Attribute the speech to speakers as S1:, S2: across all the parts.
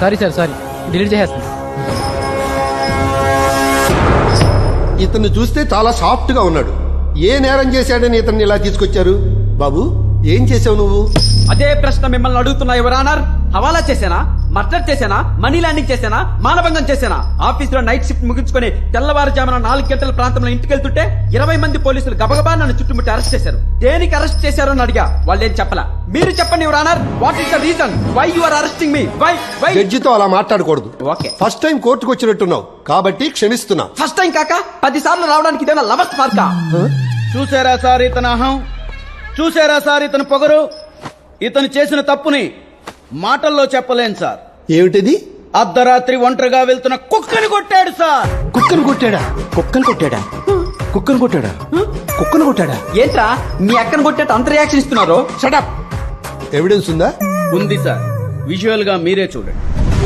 S1: Sorry sir sorry, delete చేసేస్తాను.
S2: ఇతన్ని చూస్తే చాలా సాఫ్ట్ గా ఉన్నాడు. ఏ నేరం చేశాడని ఇతన్ని ఇలా తీసుకొచ్చారు? బాబు, ఏం చేసావు నువ్వు?
S3: అదే ప్రశ్న మిమ్మల్ని అడుగుతున్నా యువర్ ఆనర్. హవాలా చేశానా, మర్డర్ చేశానా, మనీ ల్యాండింగ్ చేశానా, మానభంగం చేశానా? ఆఫీస్ లో నైట్ షిఫ్ట్ ముగించుకొని తెల్లవారుజామున 4 గంటల ప్రాంతంలో ఇంటికి వెళ్తుంటే 20 మంది పోలీసులు గబగబా నన్ను చుట్టుముట్టి అరెస్ట్ చేశారు. దేనికి అరెస్ట్ చేశారు అని అడిగా, వాళ్ళు ఏం చెప్పలా. మీరు చెప్పండి your honour, what is the reason why you are arresting me? Why?
S2: జడ్జితో అలా మాట్లాడకూడదు.
S3: ఓకే,
S2: ఫస్ట్ టైం కోర్టుకు వచ్చినట్టున్నావు కాబట్టి క్షమిస్తున్నా.
S3: ఫస్ట్ టైం కాక 10 సార్లు రావడానికి ఇదేనా లవర్స్ పార్కా?
S4: చూసారా సార్ ఇతని అహం, చూసారా సార్ ఇతని పొగరు. ఇతను చేసిన తప్పుని మాటల్లో చెప్పలేను సార్.
S2: ఏమిటిది?
S4: అర్ధరాత్రి ఒంటరిగా వెళ్తున్న కుక్కని కొట్టాడు సార్.
S2: కుక్కను కొట్టాడా?
S5: కుక్కను కొట్టాడా? కుక్కను కొట్టాడా? కుక్కను కొట్టాడా?
S3: ఏంట్రా మీ అక్కను కొట్టేట్టు అంత రియాక్షన్ ఇస్తున్నారు?
S2: షటప్. ఎవిడెన్స్ ఉందా?
S4: ఉంది సార్, విజువల్ గా మీరే చూడండి.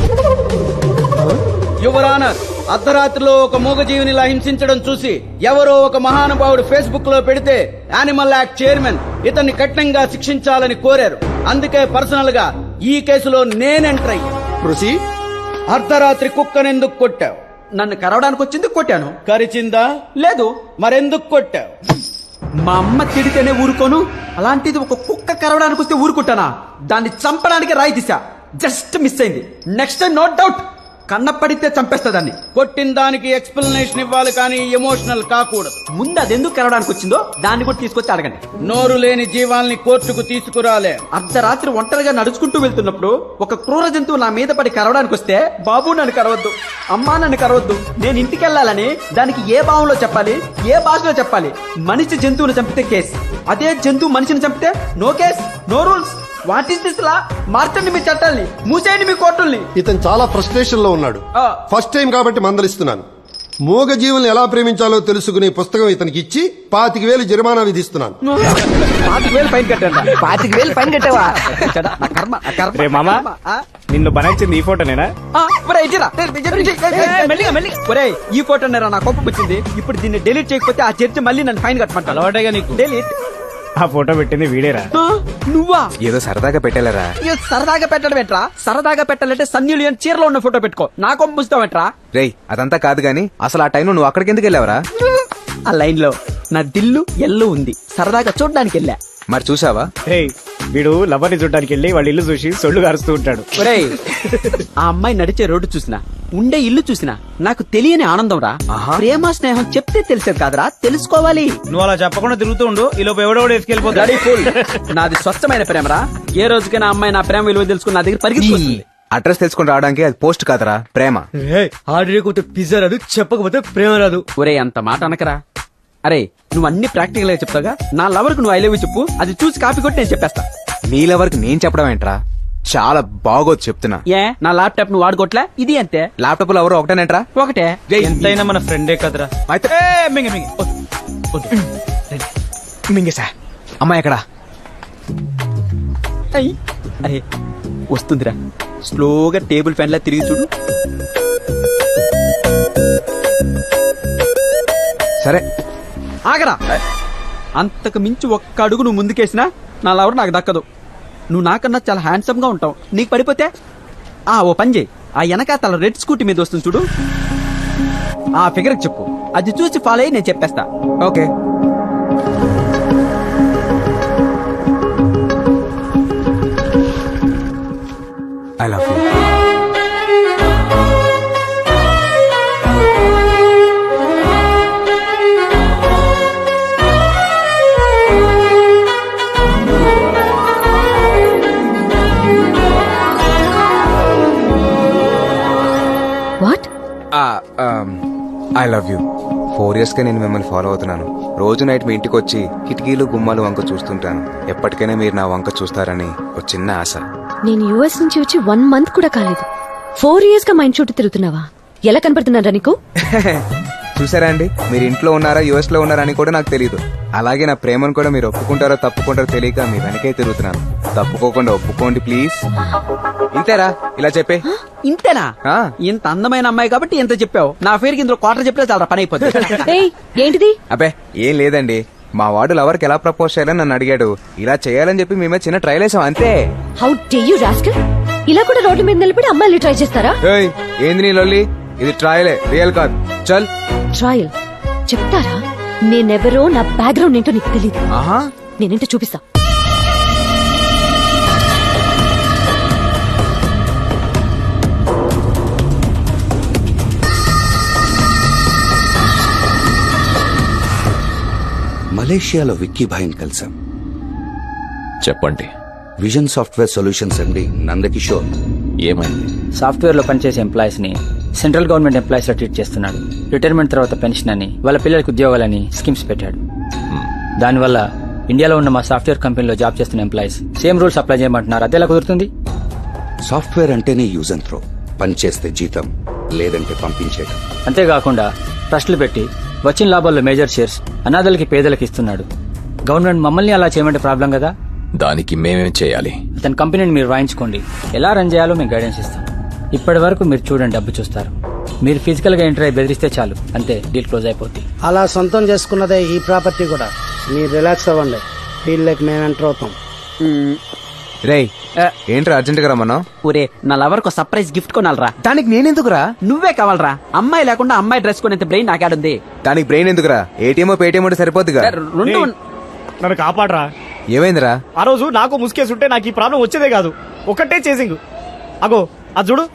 S4: యువర్ ఆనర్, అర్ధరాత్రిలో ఒక మూగజీవినిలా హింసించడం చూసి ఎవరో ఒక మహానుభావుడు ఫేస్బుక్ లో పెడితే యానిమల్ యాక్ట్ చైర్మన్ ఇతన్ని కఠినంగా శిక్షించాలని కోరారు. అందుకే పర్సనల్ గా ఈ కేసులో నేను ఎంటర్ అయ్యి.
S2: ప్రొసీడ్.
S4: అర్ధరాత్రి కుక్కనెందుకు కొట్టావు?
S3: నన్ను కరవడానికి వచ్చింది, కొట్టాను.
S4: కరిచిందా?
S3: లేదు.
S4: మరెందుకు కొట్టావు?
S3: మా అమ్మ తిడితేనే ఊరుకోను, అలాంటిది ఒక కుక్క కరవడానికి వస్తే ఊరుకుంటానా? దాన్ని చంపడానికి రాయి తీసా, జస్ట్ మిస్ అయింది. నెక్స్ట్ టైం నో డౌట్ కన్న పడితే చంపేస్తా దాన్ని.
S4: కొట్టిన దానికి ఎక్స్ప్లెనేషన్ ఇవ్వాలి కానీ ఎమోషనల్ కాకూడదు.
S3: ముందు అది ఎందుకు కరవడానికి వచ్చిందో దాన్ని కూడా తీసుకొచ్చి అడగండి.
S4: నోరు లేని జీవాల్ని కోర్టుకు తీసుకురాలే.
S3: అర్ధరాత్రి ఒంటరిగా నడుచుకుంటూ వెళ్తున్నప్పుడు ఒక క్రూర జంతువు నా మీద పడి కరవడానికి వస్తే, బాబు నన్ను కరవద్దు, అమ్మా నన్ను కరవద్దు, నేను ఇంటికి వెళ్ళాలని దానికి ఏ భావంలో చెప్పాలి, ఏ భాషలో చెప్పాలి? మనిషి జంతువుని చంపితే కేసు, అదే జంతువు మనిషిని చంపితే no case, no rules. What is this law? మార్చండి మీ చట్టాల్ని, మూసేయండి మీ కోర్టుల్ని.
S2: ఇతను చాలా ఫ్రస్ట్రేషన్ లో ఉన్నాడు.
S3: ఆ.
S2: ఫస్ట్ టైం కాబట్టి మందలిస్తున్నాను. మూగ జీవుల్ని ఎలా ప్రేమించాలో తెలుసుకునే పుస్తకం ఇతనికి ఇచ్చి 25,000 జరిమానా విధిస్తున్నాను.
S3: 25,000 ఫైన్ కట్టండి.
S5: 25,000 ఫైన్ కట్టావా?
S3: నా కర్మ, నా కర్మ.
S6: రే మామ, నిన్ను బనాయించింది ఈ ఫోటోనేనా?
S3: ఒరేయ్, ఈ ఫోటో నేరా నా కోపం వచ్చింది. ఇప్పుడు దీన్ని డిలీట్ చేయకపోతే ఆ చర్చ మళ్ళీ నన్ను ఫైన్ కట్టమంటా.
S6: అలవాటేగా నీకు.
S3: డిలీట్.
S6: ఆ ఫోటో పెట్టింది వీడేరా?
S3: నువ్వా?
S5: ఏదో సరదాగా పెట్టాలరా.
S3: సరదాగా పెట్టడం ఏంట్రా? సరదాగా పెట్టాలంటే సన్నీ లియోన్ చీరలో ఉన్న ఫోటో పెట్టుకో. నా కోపం ముస్తావేంట్రా?
S5: రేయ్, అదంతా కాదు గాని అసలు ఆ టైంలో నువ్వు అక్కడికి ఎందుకు వెళ్ళావరా?
S3: ఆ లైన్ లో నా దిల్లు ఎల్లు ఉంది, సరదాగా చూడడానికి వెళ్ళా.
S5: మరి చూసావా?
S6: రేయ్, వీడు లవర్ని చూడడానికి వెళ్ళి వాళ్ళ ఇల్లు చూసి సొల్లు కారుస్తూ ఉంటాడు.
S3: ఒరేయ్, ఆ అమ్మాయి నడిచే రోడ్డు చూసినా, ఉండే ఇల్లు చూసినా నాకు తెలియని ఆనందం రా. ప్రేమ స్నేహం చెప్తే తెలిసేది కాదురా, తెలుసుకోవాలి.
S6: నువ్వు అలా చెప్పకుండా తిరుగుతూ ఉండు, ఈ లోపు ఎవడోడు ఎత్తుకెళ్ళిపోతాడు.
S3: నాది స్వచ్ఛమైన ప్రేమరా. ఏ రోజుకైనా అమ్మాయి నా ప్రేమ విలువ తెలుసుకుని నా దగ్గర పరిగెత్తుకొస్తుంది.
S5: అడ్రస్ తెలుసుకుని రావడానికి అది పోస్ట్ కాదరా, ప్రేమ.
S7: ఆర్డర్ పిజ్జా రాదు, చెప్పకపోతే ప్రేమ రాదు.
S3: ఒరే, అంత మాట అనకరా. అరే, నువ్వు అన్ని ప్రాక్టికల్ గా చెప్తాగా. నా లవర్ కు నువ్వు ఐ లవ్ యూ చెప్పు, అది చూసి కాపీ కొట్టి నేను చెప్పేస్తా.
S5: నీ లవర్కి నేను చెప్పడం ఏంట్రా? చాలా బాగోదు చెప్తున్నా.
S3: ఏ, నా ల్యాప్టాప్ నువ్వు వాడుకోవట్లే? ఇది అంతే.
S5: ల్యాప్టాప్ లో ఎవరు ఒకటేనేట్రా?
S3: ఒకటే.
S6: ఎంతైనా మన ఫ్రెండే కదరా.
S5: అయితే మింగేసా. అమ్మాయి ఎక్కడా?
S3: అయ్, అరే వస్తుందిరా. స్లోగా టేబుల్ ఫ్యాన్ లా తిరిగి చూడు.
S5: సరే
S3: ఆగరా. అంతకు మించి ఒక్క అడుగు నువ్వు ముందుకేసినా నా లవర్ నాకు దక్కదు. నువ్వు నాకన్నా చాలా హ్యాండ్సమ్ గా ఉంటావు. నీకు పడిపోతే ఓ పని చేయి, ఆ వెనక తల రెడ్ స్కూటీ మీద వస్తుంది చూడు, ఆ ఫిగర్ చెప్పు, అది చూసి ఫాలో అయ్యి నేను చెప్పేస్తా.
S5: Okay. I love you. I love you. 4 years గా నేను మిమ్మల్ని ఫాలో అవుతున్నాను. రోజు నైట్ మీ ఇంటికి వచ్చి కిటికీలు గుమ్మాలు వంక చూస్తుంటాను. ఎప్పటికైనా మీరు నా వంక చూస్తారని ఒక చిన్న ఆశ.
S8: నేను యుఎస్ నుంచి వచ్చి 1 month కూడా కాలేదు. 4 years గా మా ఇంటి చుట్టూ తిరుగుతున్నావా? ఎలా కనపడుతున్నారా నీకు?
S5: చూసారా అండి, మీరు ఇంట్లో ఉన్నారా యుఎస్ లో ఉన్నారా అని కూడా నాకు తెలియదు. అలాగే నా ప్రేమను కూడా మీరు ఒప్పుకుంటారో తప్పుకుంటారో తెలియక మీ వెనకే తిరుగుతున్నాను. తప్పుకోకుండా ఒప్పుకోండి ప్లీజ్. ఇంతేరా, ఇలా చెప్పే.
S3: ఇంతేనా? ఇంత అందమైన అమ్మాయి కాబట్టి ఇంత చెప్పావు. నా పేరుకి ఇందులో క్వార్టర్ చెప్తే చాలా పని అయిపోతుంది.
S8: ఏంటిది?
S5: అబ్బే ఏం లేదండి, మా వాడు లవర్కి ఎలా ప్రపోజ్ చేయాలని నన్ను అడిగాడు. ఇలా చేయాలని చెప్పి మేమే చిన్న ట్రైల్ వేసాం అంతే.
S8: How dare you rascal! ఇలా కూడా రోడ్ల మీద నిలబడి అమ్మాయిలు ట్రై చేస్తారా?
S5: ఏయ్, ఏంది నీ లొల్లి? ఇది ట్రయలే, రియల్ కాదు. చల్.
S8: ట్రయల్ చెప్తారా? నేనెవరో, నా బ్యాక్గ్రౌండ్ ఏంటో నీకు తెలియదు.
S5: ఆహా,
S8: నేనేంటో చూపిస్తా.
S9: మలేషియాలో విక్కీ భాయ్ని కలిసాం.
S10: చెప్పండి,
S9: విజన్ సాఫ్ట్వేర్ సొల్యూషన్స్ అండి నందకిషోర్.
S10: ఏమైంది?
S1: సాఫ్ట్వేర్ లో పనిచేసే ఎంప్లాయీస్ ని సెంట్రల్ గవర్నమెంట్ ఎంప్లాయీస్ లో ట్రీట్ చేస్తున్నాడు. రిటైర్మెంట్ తర్వాత పెన్షన్ అని, వాళ్ళ పిల్లలకు ఉద్యోగాలని స్కీమ్స్ పెట్టాడు. దానివల్ల ఇండియాలో ఉన్న మా సాఫ్ట్వేర్ కంపెనీలో జాబ్ చేస్తున్న ఎంప్లాయీస్ సేమ్ రూల్స్ అప్లై చేయమంటున్నారు. అదేలా కుదురుతుంది?
S9: సాఫ్ట్వేర్ అంటేనే యూజ్ అండ్ త్రో. పని చేస్తే జీతం, లేదంటే పంపించేయడం.
S1: అంతేకాకుండా ట్రస్టులు పెట్టి వచ్చిన లాభాల్లో మేజర్ షేర్స్ అనాథలకి, పేదలకు ఇస్తున్నాడు. గవర్నమెంట్ మమ్మల్ని అలా చేయమంటే ప్రాబ్లం కదా.
S10: దానికి మేమేం చేయాలి?
S1: అతని కంపెనీని మీరు వాయించుకోండి. ఎలా రన్ చేయాలో మేము గైడెన్స్ ఇస్తాం. ఇప్పటి వరకు మీరు చూడండి, డబ్బు చూస్తారు. మీరు ఫిజికల్ గా ఎంటర్ అయి బెదిరిస్తే చాలు, అంతే, డీల్ క్లోజ్ అయిపోద్ది.
S7: అలా సొంతం చేసుకున్నదే ఈ ప్రాపర్టీ కూడా. మీరు రిలాక్స్ అవ్వండి, ఫీల్డ్లోకి మేము ఎంటర్ అవుతాం.
S5: రేయ్, ఏంట్రా అర్జెంట్ గా రమ్మన్నావు?
S3: ఊరే, నా లవర్ కు సర్ప్రైజ్ గిఫ్ట్ కొనాలరా.
S5: దానికి నేనెందుకురా?
S3: నువ్వే కావాలరా. అమ్మాయి లేకుండా అమ్మాయి డ్రెస్ కొనేంత బ్రెయిన్ నాకాడుంది.
S5: దానికి బ్రెయిన్ ఎందుకురా? ఏటీఎం పేటీఎం ఉంటే సరిపోద్దిగా.
S3: రెండు
S6: నన్ను కాపాడరా.
S5: ఏమైందిరా?
S6: ఆ రోజు నాకు ముసుకేసుంటే నాకు ఈ ప్రాబ్లం వచ్చేదే కాదు. ఒకటే చేసింగ్. అగో అది చూడు.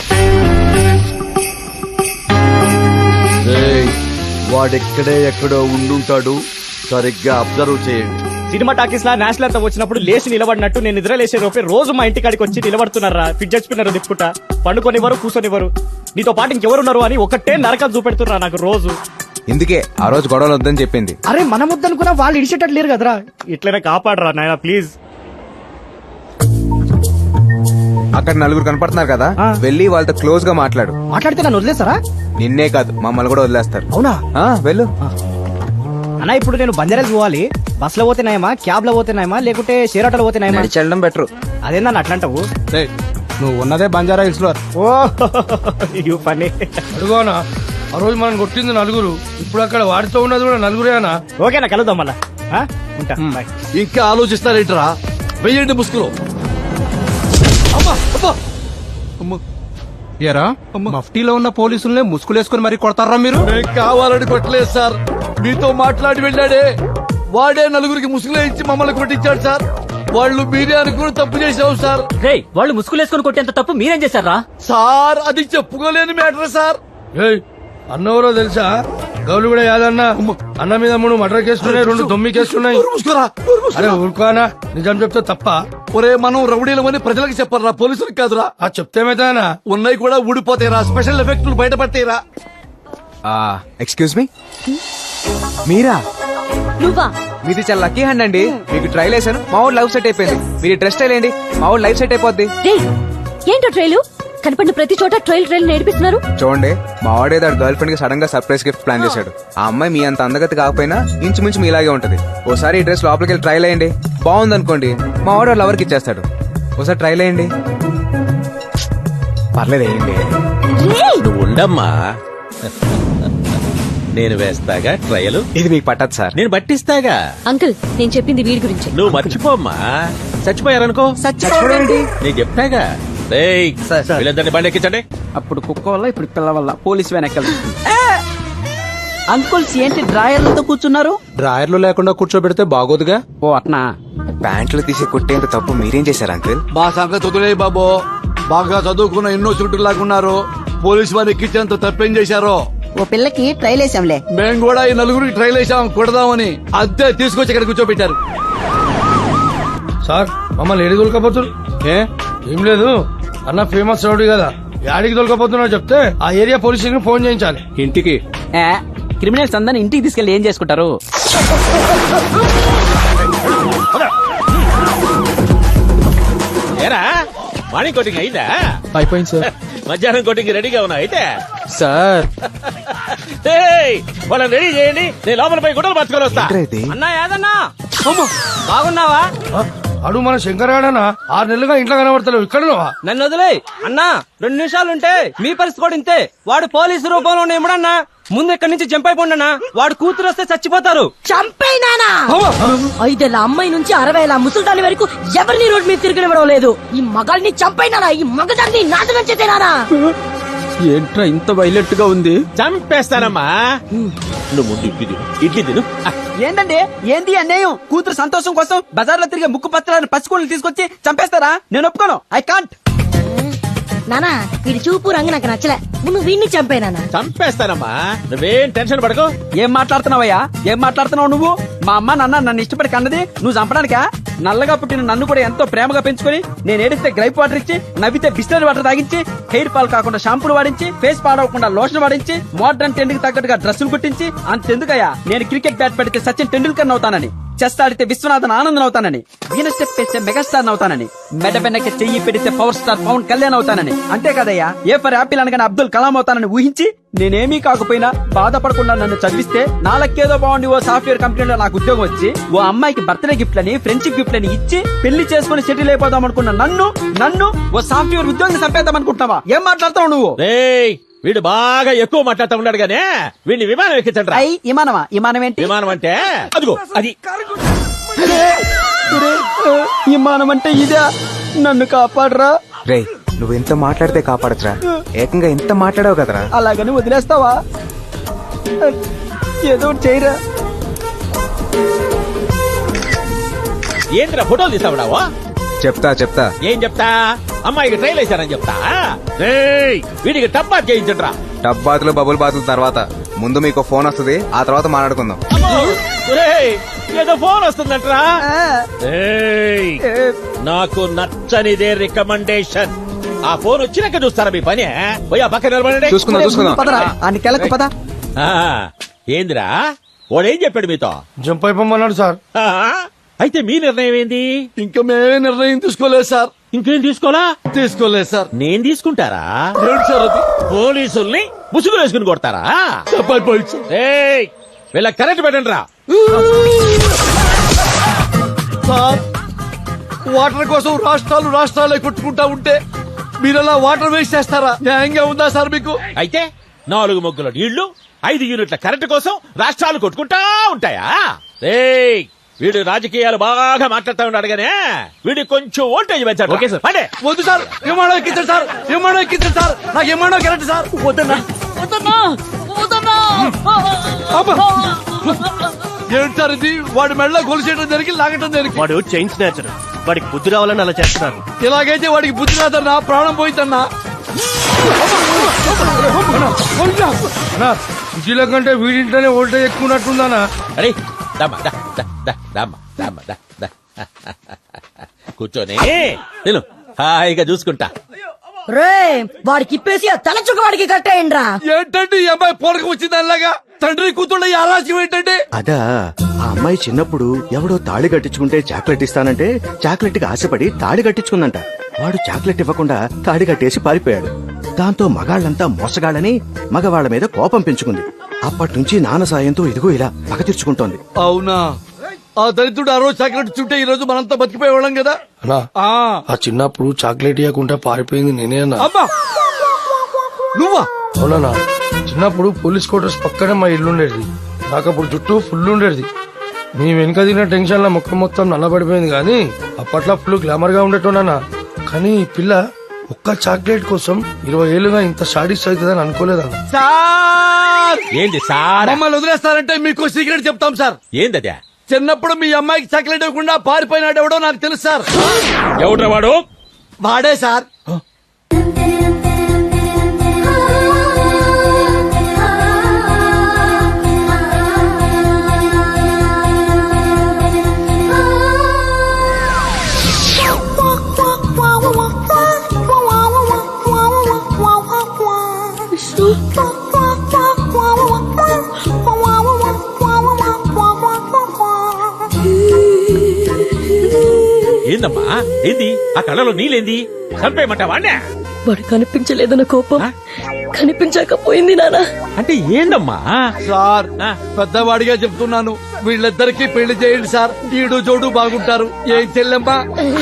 S2: వాడెక్కడే ఎక్కడో ఉండుంటాడు, సరిగ్గా అబ్జర్వ్ చేయండి.
S6: సినిమా టాకీస్ లా నేషనల్ అంతా వచ్చినప్పుడు లేచి నిలబడినట్టు నేను నిద్ర లేచే లోపే రోజు మా ఇంటికాడికి వచ్చి నిలబడుతున్నారా. Fidget spinner తిప్పుకుంటా, పండుకొనివ్వరు, కూర్చొనివ్వరు. నీతో పాటు ఇంకెవరున్నారు అని ఒకటే నరకం చూపెడుతున్నా నాకు రోజు.
S5: ఇందుకే ఆ రోజు గొడవలు వద్దని చెప్పింది.
S6: అరే మనం వద్దనుకున్నా వాళ్ళు ఇడిచేటట్టు లేరు కదరా. ఇట్లనే కాపాడరా నాయన ప్లీజ్.
S5: అక్కడ నలుగురు కనపడుతున్నారు కదా, వెళ్ళి వాళ్ళతో క్లోజ్ గా మాట్లాడు.
S6: మాట్లాడితే నన్ను వదిలేస్తారా?
S5: నిన్నే కాదు, మమ్మల్ని కూడా వదిలేస్తారు.
S6: అవునా?
S5: వెళ్ళు.
S6: అన్నా, ఇప్పుడు నేను బంజారాస్ పోవాలి. బస్ లో పోతేనాయమా, క్యాబ్ లో పోతేనాయమా, లేకుంటే షేర్ ఆటోలో పోతేనాయమా?
S5: చెల్లడం బెటర్.
S6: అదేందా అట్లాంటావు?
S7: నువ్వు ఉన్నదే బంజారా హిల్స్ లో.
S6: ఓ యూ ఫన్నీ.
S7: అడుగోనా, ఆ రోజు మనం కొట్టింది నలుగురు, ఇప్పుడు అక్కడ వాడితో ఉన్నది కూడా నలుగురేనా?
S6: ఓకేనా, కలుద్దాం మళ్ళా. ఉంటా, బాయ్.
S2: ఇంకా ఆలోచిస్తారేంట్రా? వెయ్యండి ముసుగులో.
S7: ఏరా, మఫ్టీలో ఉన్న పోలీసుల్ని ముసుగులేసుకుని మరి కొడతారా మీరు?
S2: కావాలని కొట్టలేదు సార్, మీతో మాట్లాడి వెళ్ళాడే వాడే నలుగురికి ముసుగులో ఇచ్చి మమ్మల్ని కొట్టించాడు సార్. వాళ్ళు మీరే అనుకుని తప్పు చేసావు సార్.
S1: వాళ్ళు ముసుగులేసుకుని కొట్టేంత తప్పు మీరేం చేశారా?
S2: సార్ అది చెప్పుకోలేని మ్యాటర్ సార్.
S7: అన్నవరో తెలుసా? గౌలు కూడా యాదన్న అన్న మీద 3 మర్డర్ కేసులున్నాయి, 2 దొమ్మి కేసులున్నాయి. అరే ఊరుకోనా, నిజం చెప్తే తప్ప?
S2: ఒరే, మనం రౌడీలమని ప్రజలకు చెప్పరా, పోలీసులకు కాదురా.
S7: ఆ చెప్తేమైతేనా?
S2: ఉన్నాయి కూడా ఊడిపోతాయిరా, స్పెషల్ ఎఫెక్టులు బయటపడతాయిరా.
S5: ఎక్స్క్యూజ్ మీ, మీరా?
S8: నువ్వా?
S5: మీది చాలా లక్కీ హ్యాండ్ అండి. మీకు ట్రైల్ వేసాను, మా ఊరు లైఫ్ సెట్ అయిపోయింది. మీరు డ్రెస్ స్టైల్ ఏంటి, మా ఊరు లైఫ్ సెట్ అయిపోద్ది.
S8: ఏంటో ట్రైలు? కనపడిన ప్రతి చోట ట్రైల్ నేర్పిస్తున్నారు.
S5: చూడండి, మా వాడే దాని గర్ల్ ఫ్రెండ్ కి సడన్ గా సర్ప్రైజ్ గిఫ్ట్ ప్లాన్ చేశాడు. ఆ అమ్మాయి మీ అంత అందగతి కాకపోయినా ఇంచుమించు మీ ఇలాగే ఉంటది. ఓసారి ఈ డ్రెస్ లోపలికి వెళ్ళి ట్రైల్ అయ్యండి, బాగుంది అనుకోండి, మా వాడు లవర్కి ఇచ్చేస్తాడు. ఒకసారి ట్రైల్ అయ్యండి. పర్లేదు, వేయండి.
S10: నువ్వు ఉండమ్మా, నేను వేస్తాగా ట్రయలు.
S5: ఇది మీకు పట్టదు సార్.
S10: నేను పట్టిస్తాగా.
S8: అంకుల్, నేను చెప్పింది వీడి గురించి.
S10: నువ్వు మర్చిపోమ్మా, చచ్చిపోయారనుకో. నేను చెప్తాగా. వీళ్ళందరినీ బండి ఎక్కించండి.
S3: అప్పుడు కుక్క వల్ల, ఇప్పుడు పిల్ల వల్ల పోలీస్ వెనకాల. అంకుల్స్ ఏంటి డ్రాయర్లతో కూర్చున్నారు?
S7: డ్రాయర్లు లేకుండా కూర్చోబెడితే బాగోదుగా.
S3: ఓ అట్నా?
S5: ప్యాంట్లు తీసి కుట్టేంత తప్పు మీరేం చేశారు అంకుల్?
S2: మా సంగతి వదిలే బాబు, బాగా చదువుకున్న ఎన్నో చుట్టూ లాగున్నారు. పోలీసు వారు ఎక్కించేంత తప్పేం చేశారో.
S3: ఓ పిల్లకి ట్రైల్ వేసాంలే.
S2: మేము కూడా ఈ నలుగురికి ట్రైల్ వేసాం, కొడదామని. అద్దె తీసుకొచ్చి ఇక్కడ కూర్చోబెట్టారు.
S7: సార్, మమ్మల్ని ఏడి దొలకపోతున్నారు? ఏం లేదు, అన్న ఫేమస్ రౌడీ కదా, యాడికి దొలకపోతున్నా చెప్తే ఆ ఏరియా పోలీస్ స్టేషన్ ఫోన్ చేయించాలి.
S2: ఇంటికి
S3: క్రిమినల్స్ అందరిని ఇంటికి తీసుకెళ్లి ఏం చేసుకుంటారు?
S10: ఏరా, మార్నింగ్ కోటింగ్ అయిందా?
S6: అయిపోయింది సార్.
S10: మధ్యాహ్నం కోటింగ్ రెడీగా ఉన్నా అయితే
S6: సార్
S10: వాళ్ళని రెడీ చేయండి, నేను లోపల పోయి గుడ్డలు పట్టుకొని వస్తా.
S3: అన్నా యాదన్నా, బాగున్నావా?
S7: అడు మన శంకర్ గాడనా 6 నెలలుగా ఇంట్లో కనబడతలేవు, ఇక్కడ
S3: నన్ను వదిలే అన్నా. 2 నిమిషాలుంటే మీ పరిస్థితి కూడా ఇంతే. వాడు పోలీసు రూపంలో ఇమ్మడన్నా,
S6: ముందు ఎక్కడి నుంచి జంప్ అయిపోండి వాడు కూతురు వస్తే చచ్చిపోతారు.
S11: చంపేనానా 5 ఏళ్ల అమ్మాయి నుంచి 60 ఏళ్ల ముసల్దాని వరకు ఎవరిని రోడ్ మీద తిరగనివ్వడం లేదు. ఈ మగాల్ని చంపైనానా, ఈ మగదాన్ని నాశనం చేతేనానా.
S3: ఏంట్రా ఇంత వైలెంట్ గా ఉంది?
S10: చంపేస్తానమ్మా. నువ్వు ముందు ఇడ్లీ తిను.
S3: ఏంటండి ఏంది అన్యాయం? కూతురు సంతోషం కోసం బజార్లో తిరిగే ముక్కు పత్రాలను పచ్చుకోళ్ళు తీసుకొచ్చి చంపేస్తారా? నేను ఒప్పుకోను. I can't.
S11: నానా వీడి చూపు రంగు నాకు నచ్చలే. నువ్వు వీడిని చంపేనానా.
S10: చంపేస్తానమ్మా, నువ్వేం టెన్షన్ పడకు.
S3: ఏం మాట్లాడుతున్నావయ్యా? ఏం మాట్లాడుతున్నావు నువ్వు? మా అమ్మ నాన్న నన్ను ఇష్టపడి కన్నది నువ్వు చంపడానికా? నల్లగా పుట్టిన నన్ను కూడా ఎంతో ప్రేమగా పెంచుకొని నేను ఏడిస్తే గ్రైప్ వాటర్ ఇచ్చి, నవ్వితే బిస్లరీ వాటర్ తాగించి, హెయిర్ ఫాల్ కాకుండా షాంపూలు వాడించి, ఫేస్ పాడవకుండా లోషన్ వాడించి, మోడర్న్ ట్రెండ్ కి తగ్గట్టుగా డ్రెస్సులు కుట్టించి, అంతెందుకయ్యా నేను క్రికెట్ బ్యాట్ పెడితే సచిన్ టెండూల్కర్ అవుతానని, చెస్ ఆడితే విశ్వనాథన్ ఆనందన్ అవుతానని, వీణ స్టెప్ వేస్తే మెగాస్టార్ అవుతానని, మెడ వెనక్కి చెయ్యి పెడితే పవర్ స్టార్ పవన్ కళ్యాణ్ అవుతానని, అంతే కదయ్యా ఏ ఫర్ యాపిల్ అనగానే అబ్దుల్ కలాం అవుతానని ఊహించి నేనేమీ కాకపోయినా బాధపడకుండా నన్ను చదివిస్తే నాలకేదో బాగుండి ఓ సాఫ్ట్వేర్ కంపెనీలో నాకు ఉద్యోగం వచ్చి ఓ అమ్మాయికి బర్త్డే గిఫ్ట్ లని ఫ్రెండ్షిప్ గిఫ్ట్ అని ఇచ్చి పెళ్లి చేసుకుని సెటిల్ అయిపోదాం అనుకున్న నన్ను ఓ సాఫ్ట్వేర్ ఉద్యోగం చంపేద్దాం అనుకుంటున్నావా? ఏం మాట్లాడతావు నువ్వు?
S10: రేయ్, వీడు బాగా ఎక్కువ మాట్లాడుతూ ఉన్నాడు గానే వీడిని విమానం ఎక్కించండి.
S3: అయ్యి విమానమా? విమానం ఏంటి?
S10: విమానం అంటే అదిగో అది.
S3: విమానం అంటే ఇదే. నన్ను కాపాడరా.
S5: రే నువ్వు ఎంత మాట్లాడితే కాపాడచ్చురా, ఏకంగా ఎంత మాట్లాడావు కదరా.
S3: అలాగని వదిలేస్తావా? ఏదో ఒకటి చేయరా.
S10: ఏంద్రా ఫోటోలు తీసావుడావా?
S5: చెప్తా
S10: ఏం చెప్తా? అమ్మాయికి ట్రైల్ వేశారని చెప్తా. రేయ్, వీడికి టబ్బా చేయించండ్రా.
S5: టబ్ బాతులు బబుల్ బాతుల తర్వాత ముందు మీకు ఫోన్ వస్తుంది, ఆ తర్వాత మాట్లాడుకుందాం.
S10: రేయ్, ఏదో ఫోన్ వస్తుందంట్రా. రేయ్, నాకు నచ్చనిదే రికమెండేషన్. ఆ ఫోన్ వచ్చినాక చూస్తారా మీ పని? పోయి ఆ పక్కన నిలబడండి.
S5: చూసుకుందాం.
S3: పదరా అని కెలకు పద.
S10: ఆ, ఏందిరా వాడేం చెప్పాడు మీతో?
S7: జంప్ అయిపోమన్నాడు సార్.
S10: ఆ, అయితే మీ నిర్ణయం ఏంది?
S2: ఇంకా మేమే నిర్ణయం తీసుకోలేదు సార్.
S10: ఇంకేం
S2: తీసుకోలేదు సార్.
S10: నేను తీసుకుంటారా?
S2: ఏంటి సార్ అది?
S10: పోలీసుల్ని ముసుగులు వేసుకుని కొడతారా?
S2: చెప్పండి సార్.
S10: ఏయ్, వీళ్ళ కరెంట్ పెట్టండి రా.
S2: సార్, వాటర్ కోసం రాష్ట్రాలే కొట్టుకుంటా ఉంటే మీరలా వాటర్ వేస్ట్ చేస్తారా? న్యాయంగా ఉందా సార్ మీకు?
S10: అయితే 4 మొగ్గుల నీళ్లు 5 యూనిట్ల కరెంటు కోసం రాష్ట్రాలు కొట్టుకుంటా ఉంటాయా? రేయ్, వీడు రాజకీయాలు బాగా మాట్లాడుతూ ఉన్నాడు గానే వీడి కొంచెం ఓల్టేజ్ పెంచాడు. Okay sir. అంటే
S2: వద్దు సార్. విమానం ఎక్కించండి సార్. విమానం ఎక్కించండి సార్. నాకు విమానం కరెక్ట్ సార్. వద్దన్నా. ఏంటి సార్ ఇది? వాడి మెడలో గొలుసేయడం జరిగి లాగటం జరిగి.
S6: వాడు చైన్ స్నాచర్, వాడికి బుద్ధి రావాలని అలా చేస్తున్నారు.
S2: ఇలాగైతే వాడికి బుద్ధి రాదన్నా, ప్రాణం పోయిందన్నా.
S7: సిటీలో కంటే వీడింటనే ఓల్టేజ్ ఎక్కువ ఉన్నట్టుందనా?
S10: అరే దమ్మా, దా, దా, దా, దమ్మా, దమ్మా, దా, దా. కూర్చొని నేను హాయిగా చూసుకుంటా.
S11: రే వాడికి ఇప్పేసి ఆ తల చుక్క వాడికి కట్టేయండిరా.
S2: ఏంటంటే ఈ అమ్మాయి పోరక వచ్చింది అలాగా? తండ్రి కూతుళ్ళ ఈ ఆరాజ్యం ఏంటంటే?
S12: అదా ఆ అమ్మాయి చిన్నప్పుడు ఎవడో తాళి కట్టించుకుంటే చాక్లెట్ ఇస్తానంటే చాక్లెట్ కి ఆశపడి తాళి కట్టించుకుందంట. వాడు చాక్లెట్ ఇవ్వకుండా తాళి కట్టేసి పారిపోయాడు. దాంతో మగాళ్ళంతా మోసగాళ్ళని మగవాళ్ల మీద కోపం పెంచుకుంది. అప్పటి నుంచి నాన్న సాయంతో ఇదిగో ఇలా పగ తీర్చుకుంటోంది.
S2: అవునా? ఆ దరిద్రుడు ఆ రోజు చాక్లెట్ చుట్టే ఈ రోజు మనంతా బతికిపోయేవాళ్ళం కదా.
S7: అన్నా, ఆ చిన్నప్పుడు చాక్లెట్ ఇవ్వకుండా పారిపోయింది నేనే అన్నా.
S2: అబ్బా, నువ్వా?
S7: అవునా? చిన్నప్పుడు పోలీస్ క్వార్టర్స్ పక్కనే మా ఇల్లు ఉండేది. నాకు అప్పుడు జుట్టు ఫుల్ ఉండేది. నీ వెనుక తిన్న టెన్షన్ లో ముఖం మొత్తం నల్లబడిపోయింది. కానీ అప్పట్లో ఫుల్ గ్లామర్ గా ఉండేటోనా. కానీ ఈ పిల్ల ఒక్క చాక్లెట్ కోసం 20 ఏళ్లుగా ఇంత షాడిస్ట్ అవుతుందని అనుకోలేదన్న.
S2: సార్,
S10: ఏంది సార్?
S2: మమ్మల్ని వదిలేస్తారంటే మీకు సీక్రెట్ చెప్తాం సార్.
S10: ఏందదే?
S2: చిన్నప్పుడు మీ అమ్మాయికి చాక్లెట్ ఇవ్వకుండా పారిపోయినాడు ఎవడో నాకు తెలుసు సార్.
S10: ఎవడ్రా వాడు?
S2: వాడే సార్.
S10: ఏందమ్మా ఏంది? ఆ కళ్ళలో నీళ్ళేంది? చంపేయమంటావా?
S11: వాడు కనిపించలేదన్న కోపం కనిపించకపోయింది నానా.
S10: అంటే ఏందమ్మా?
S2: సార్, పెద్దవాడిగా చెప్తున్నాను, వీళ్ళిద్దరికి పెళ్లి చేయండి సార్. ఈడు జోడు బాగుంటారు. ఏం చెల్లెమ్మా?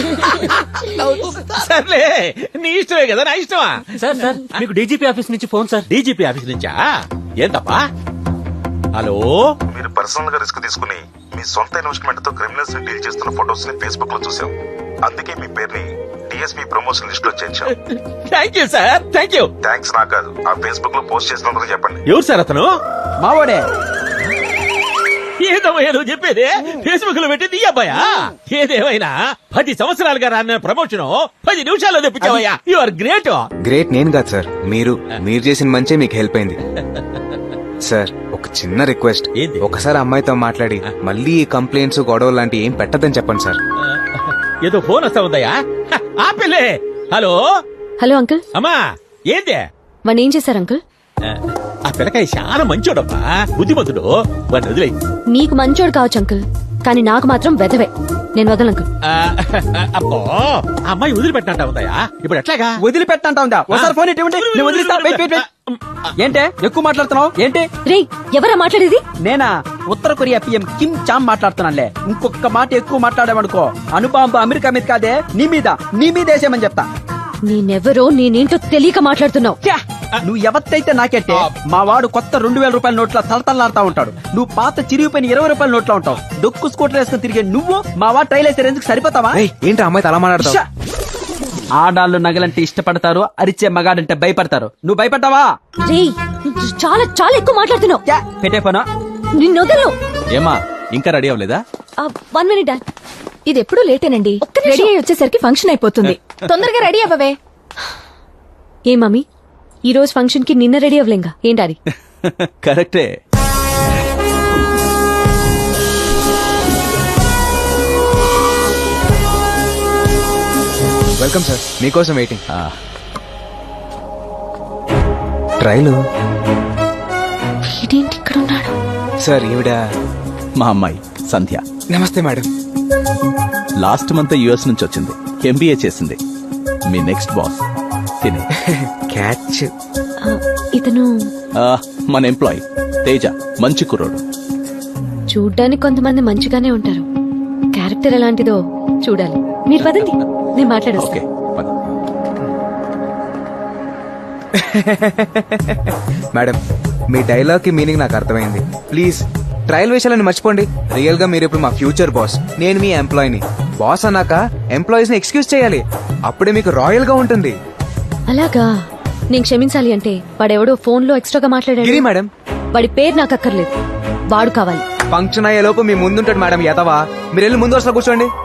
S10: సర్లే, నీ ఇష్టమే కదా, నా ఇష్టమా?
S6: సార్ సార్ మీకు డీజీపీ ఆఫీస్ నుంచి ఫోన్ సార్.
S10: డీజీపీ ఆఫీస్ నుంచా? ఏంటప్పా? హలో,
S13: మీరు పర్సనల్ గా రిస్క్ తీసుకుని మీ సొంత ఇన్వెస్ట్మెంట్ తో క్రిమినల్స్ ని డీల్ చేస్తున్న ఫొటోస్ ని ఫేస్బుక్ లో చూసాం. అందుకే మీ పేరుని డిఎస్పీ ప్రమోషన్ లిస్ట్ లో చేర్చాం.
S10: Thank you sir, thank you.
S13: Thanks నాకు కాదు, ఆ ఫేస్బుక్ లో పోస్ట్ చేసినందుకు చెప్పండి.
S10: ఎవరు సార్ అతను?
S3: మావాడే.
S10: ఏదమ్మయ్యా నువ్వు చెప్పేది? ఫేస్బుక్ లో పెట్టింది ఈ అబ్బాయా? ఏదేమైనా 10 సంవత్సరాలుగా రాన్న ప్రమోషన్ 10 నిమిషాల్లో తెప్పించావయ్యా. You are great.
S5: గ్రేట్ నేను కాదు సార్, మీరు చేసిన మంచే మీకు హెల్ప్ అయింది. సార్ ఒక చిన్న రిక్వెస్ట్,
S10: ఏంది?
S5: ఒకసారి అమ్మాయితో మాట్లాడి మళ్ళీ ఈ కంప్లైంట్స్ గొడవలు లాంటి ఏం పెట్టదని చెప్పండి సార్.
S10: ఏదో ఫోన్ వస్తా ఉందయ్యా. ఆపిల్లే. హలో
S8: హలో అంకుల్,
S10: అమ్మా, ఏంది?
S8: వాడిని ఏం చేశారు అంకుల్?
S10: ఆ పిల్లకాయ చాలా మంచోడమ్మా, బుద్ధిమంతుడు. వాడిని వదిలే.
S8: మీకు మంచోడు కావచ్చు అంకుల్, కానీ నాకు మాత్రం వెధవే. నేను వదలను అంకుల్.
S10: అబ్బో, ఆ అమ్మాయి వదిలిపెట్టినట్ట ఉందయ్యా. ఇప్పుడు ఎట్లాగా?
S3: వదిలిపెట్టంటా ఉందా? ఒకసారి ఫోన్ ఇటువంటి నేను వదిలిస్తా. Wait wait wait. ఏంటే ఎక్కువ మాట్లాడుతున్నావు ఏంటి?
S8: రే, ఎవరా మాట్లాడేది?
S3: నేనా? ఉత్తర కొరియా పిఎం కిమ్ చామ్ మాట్లాడుతున్నానులే. ఇంకొక మాట ఎక్కువ మాట్లాడామనుకో అణుబాంబు అమెరికా మీద కాదే నీ మీద వేసేయమని చెప్తా.
S8: నేనెవరో నేనేంటో తెలియక మాట్లాడుతున్నావు.
S3: ఛే! నువ్వు ఎవత్తైతే నాకెట్టే. మా వాడు కొత్త 2000 రూపాయల నోట్ల తలతల్లాడుతా ఉంటాడు. నువ్వు పాత చిరిగిపోయిన 20 రూపాయల నోట్లో ఉంటావు. డొక్కు స్కూటర్ వేసుకుని తిరిగే నువ్వు మా వాడు ట్రైల్ వేసే ఎందుకు సరిపోతావా?
S5: ఏంటి అమ్మాయి అలా మాట్లాడతావు?
S3: ఆడాళ్ళు నగలంటే ఇష్టపడతారు, అరిచే మగాడంటే భయపడతారు. నువ్వు భయపడ్డావా?
S8: రే, చాలా చాలా ఎక్కువ మాట్లాడుతున్నావు.
S3: పెట్టే పోనా?
S8: నిన్ను వదలను.
S12: ఏమా ఇంకా రెడీ అవ్వలేదా?
S8: 1 minute డాడ్. ఇది ఎప్పుడు లేటేనండి. రెడీ అయ్యి వచ్చేసరికి ఫంక్షన్ అయిపోతుంది. తొందరగా రెడీ అవ్వవే. ఏ మమ్మీ, ఈ రోజు ఫంక్షన్ కి నిన్న రెడీ అవ్వలేంగా ఏంటి?
S12: కరెక్టే.
S5: వెల్కమ్ సార్, మీకోసం వెయిటింగ్. ట్రైలు
S8: వీడేంటి ఇక్కడ ఉన్నాడు?
S5: సార్ ఈవిడ
S12: మా అమ్మాయి సంధ్య.
S5: నమస్తే మేడం.
S12: లాస్ట్ మంత్ యుఎస్ నుంచి వచ్చింది, ఎంబీఏ చేసింది. మీ నెక్స్ట్ బాస్ తినే.
S5: క్యాచ్.
S8: ఇతను
S12: మన ఎంప్లాయ్ తేజ, మంచి కుర్రోడు.
S8: చూడ్డానికి కొంతమంది మంచిగానే ఉంటారు, క్యారెక్టర్ ఎలాంటిదో చూడాలి. మీరు పదండి, నేను మాట్లాడొస్తా.
S12: ఓకే పద.
S5: మేడం, మీ డైలాగ్ కి మీనింగ్ నాకు అర్థమైంది. ప్లీజ్ ట్రయల్ విషయాలని మర్చిపోండి. రియల్ గా మీరు ఇప్పుడు మా ఫ్యూచర్ బాస్, నేను మీ ఎంప్లాయీని. బాస్ అన్నాక ఎంప్లాయీస్ ని ఎక్స్క్యూజ్ చేయాలి, అప్పుడే మీకు రాయల్ గా ఉంటుంది.
S8: అలాగా? నేను క్షమించాలి అంటే వాడెవడో ఫోన్ లో ఎక్స్ట్రాగా మాట్లాడాడు.
S5: గిరి మేడం,
S8: వాడి పేరు నాకు అక్కర్లేదు, వాడు కావాలి.
S5: ఫంక్షన్ అయ్యే లోపు మీ ముందుంటాడు మేడం. ఎదవా, మీరు వెళ్ళి ముందు వరుసలో కూర్చోండి.